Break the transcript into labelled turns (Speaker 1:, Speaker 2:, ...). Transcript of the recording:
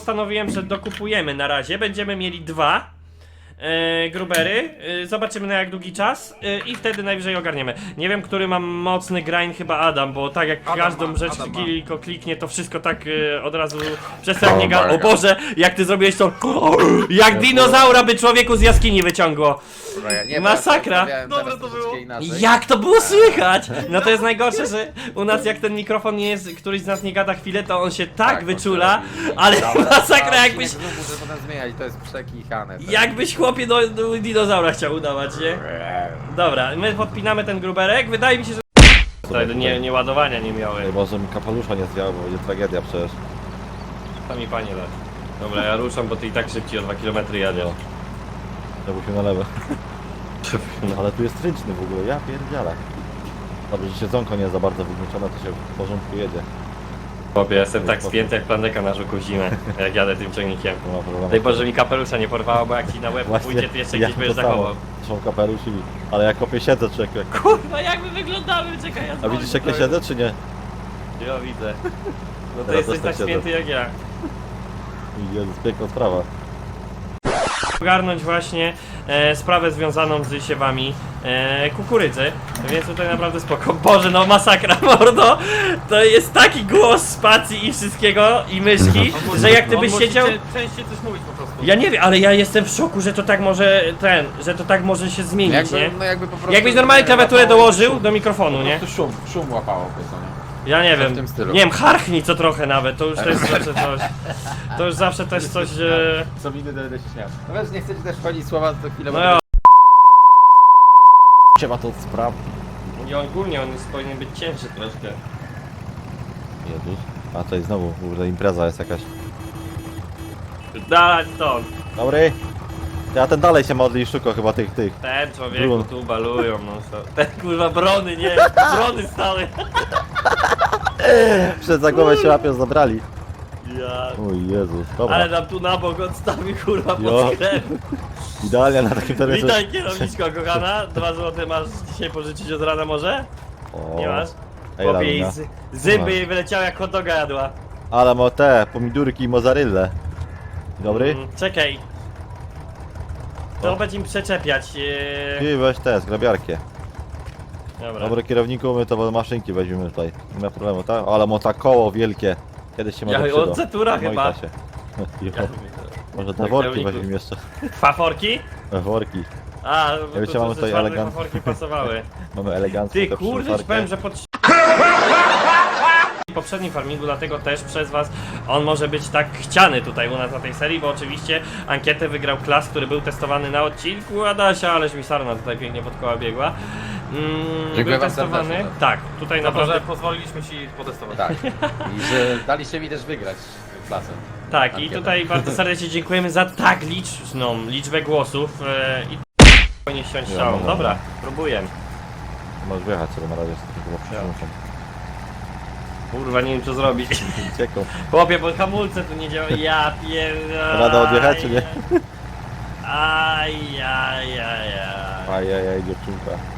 Speaker 1: Postanowiłem, że dokupujemy na razie. Będziemy mieli 2 grubery. Zobaczymy na jak długi czas i wtedy najwyżej ogarniemy. Nie wiem, który mam mocny grind, chyba Adam, bo tak jak każdą rzecz tylko kliknie, to wszystko tak od razu przestanie O Boże, jak ty zrobiłeś to jak dinozaura by człowieku z jaskini wyciągło. Masakra.
Speaker 2: Dobra, to było.
Speaker 1: Jak to było słychać? No to jest najgorsze, że u nas jak ten mikrofon nie jest, któryś z nas nie gada chwilę, to on się tak wyczula, ale masakra jakbyś...
Speaker 2: Muszę potem zmieniać, to jest przekichane.
Speaker 1: Jakbyś chłopie do dinozaura chciał udawać, nie? Dobra, my podpinamy ten gruberek, wydaje mi się, że... Tutaj nie ładowania nie miały.
Speaker 3: Może mi kapelusza nie zwiało, bo jest tragedia przecież.
Speaker 1: To mi panie da. Dobra, ja ruszam, bo ty i tak szybciej o 2 km jadę.
Speaker 3: Żebyśmy na lewo. No, ale tu jest ryczny w ogóle, ja pierdzielę. Dobrze, że siedzonko nie jest za bardzo wygłuszone, to się w porządku jedzie.
Speaker 1: Chłopie, jestem tak spięty jak plandeka na żuku w zimę, jak jadę tym ciągnikiem.
Speaker 3: Nie ma problemu.
Speaker 1: Daj Boże mi kapelusza nie porwało, bo jak ci na łeb pójdzie, to jeszcze gdzieś będziesz zachował.
Speaker 3: Są kapelusz ale jak kopie siedzę, czy jak...
Speaker 1: Kurwa, jak my wyglądamy, czekaj, ja
Speaker 3: A widzisz jak ja siedzę, czy nie?
Speaker 1: Ja widzę. No to
Speaker 3: Teraz
Speaker 1: jesteś
Speaker 3: też
Speaker 1: tak
Speaker 3: tak siedzę.
Speaker 1: spięty jak ja.
Speaker 3: Jezus, piękna sprawa.
Speaker 1: Ogarnąć właśnie sprawę związaną z siewami kukurydzy, więc tutaj naprawdę spoko. Boże, no masakra, mordo! To jest taki głos spacji i wszystkiego i myszki, że jak ty byś siedział...
Speaker 2: Częściej coś mówić po prostu.
Speaker 1: Ja nie wiem, ale ja jestem w szoku, że to tak może że to tak może się zmienić, nie?
Speaker 2: No jakby po prostu...
Speaker 1: Jakbyś normalnie klawiaturę dołożył do mikrofonu, nie?
Speaker 2: Po prostu szum łapało po co, nie?
Speaker 1: Ja nie
Speaker 2: w
Speaker 1: wiem,
Speaker 2: tym stylu.
Speaker 1: nie wiem, harchnij co trochę nawet, to już to jest zawsze coś. To już zawsze też coś, że...
Speaker 2: Co widzę, to będę się śmiał. No wiesz, nie chcecie też wchodzić słowa, to chwilę...
Speaker 1: No ja...
Speaker 3: Trzeba to sprawdzić.
Speaker 1: I ogólnie on jest, powinien być cięższy troszkę.
Speaker 3: Jezus. A tutaj znowu, kurde, impreza jest jakaś.
Speaker 1: Dać to.
Speaker 3: Dobry. Ja ten dalej się modli i szuka chyba tych.
Speaker 1: Ten człowieku
Speaker 3: Brun.
Speaker 1: tu balują, no co. Ten kurwa brony, nie, brony stały.
Speaker 3: Przed za głowę się łapią, zabrali.
Speaker 1: Ja...
Speaker 3: Oj Jezus, dobra.
Speaker 1: Ale nam tu na bok odstawi kurwa
Speaker 3: Jo.
Speaker 1: pod sklep.
Speaker 3: Idealnie na takim terenie.
Speaker 1: Witaj kierowniczko kochana, 2 złote masz dzisiaj pożyczyć od rana może?
Speaker 3: O,
Speaker 1: Nie masz?
Speaker 3: ej,
Speaker 1: Chłopie
Speaker 3: Lamina.
Speaker 1: i zęby jej wyleciały jak hot doga jadła.
Speaker 3: Ale ma te pomidurki i mozzarellę. Dobry?
Speaker 1: Czekaj. To
Speaker 3: O.
Speaker 1: będzie im przeczepiać.
Speaker 3: Ty weź te, zgrabiarkę.
Speaker 1: Dobra.
Speaker 3: Dobry kierowniku, my to maszynki weźmiemy tutaj. Nie ma problemu, tak? Ale ma ta koło wielkie. Kiedyś się może
Speaker 1: Ja
Speaker 3: przyda.
Speaker 1: od Zetura
Speaker 3: No i
Speaker 1: chyba.
Speaker 3: da się. Jo.
Speaker 1: Ja-
Speaker 3: Może te
Speaker 1: Tak,
Speaker 3: worki
Speaker 1: kierowniku.
Speaker 3: weźmiemy jeszcze.
Speaker 1: Faforki?
Speaker 3: Worki.
Speaker 1: A, bo
Speaker 3: wiecie,
Speaker 1: to
Speaker 3: mamy
Speaker 1: że
Speaker 3: tutaj
Speaker 1: czwartek
Speaker 3: elegant-
Speaker 1: faforki pasowały.
Speaker 3: Mamy elegancką
Speaker 1: Ty
Speaker 3: tę
Speaker 1: kurde, ci
Speaker 3: przyczepkę.
Speaker 1: powiem, że w poprzednim farmingu, dlatego też przez was on może być tak chciany tutaj u nas na tej serii, bo oczywiście ankietę wygrał Klas, który był testowany na odcinku Adasia, ależ mi sarna tutaj pięknie pod koła biegła.
Speaker 2: Dziękuję
Speaker 1: Był
Speaker 2: wam
Speaker 1: testowany,
Speaker 2: serdecznie.
Speaker 1: tak, tutaj
Speaker 4: Za to,
Speaker 1: naprawdę,
Speaker 4: że pozwoliliśmy ci potestować.
Speaker 2: Tak. I że daliście mi też wygrać klasę.
Speaker 1: tak i
Speaker 2: ankietę.
Speaker 1: tutaj bardzo serdecznie dziękujemy za tak liczną liczbę głosów i nie ściąć strzałą.
Speaker 3: no.
Speaker 1: Dobra, próbuję.
Speaker 3: Możesz wjechać sobie na razie, z tego przyszłą.
Speaker 1: Kurwa, nie wiem co zrobić.
Speaker 3: Cieką.
Speaker 1: Chłopie, bo hamulce tu nie działają. Ja pierdolę.
Speaker 3: Rada odjechać, czy nie?
Speaker 1: Ajajajaj.
Speaker 3: Ajajaj, dziewczynka.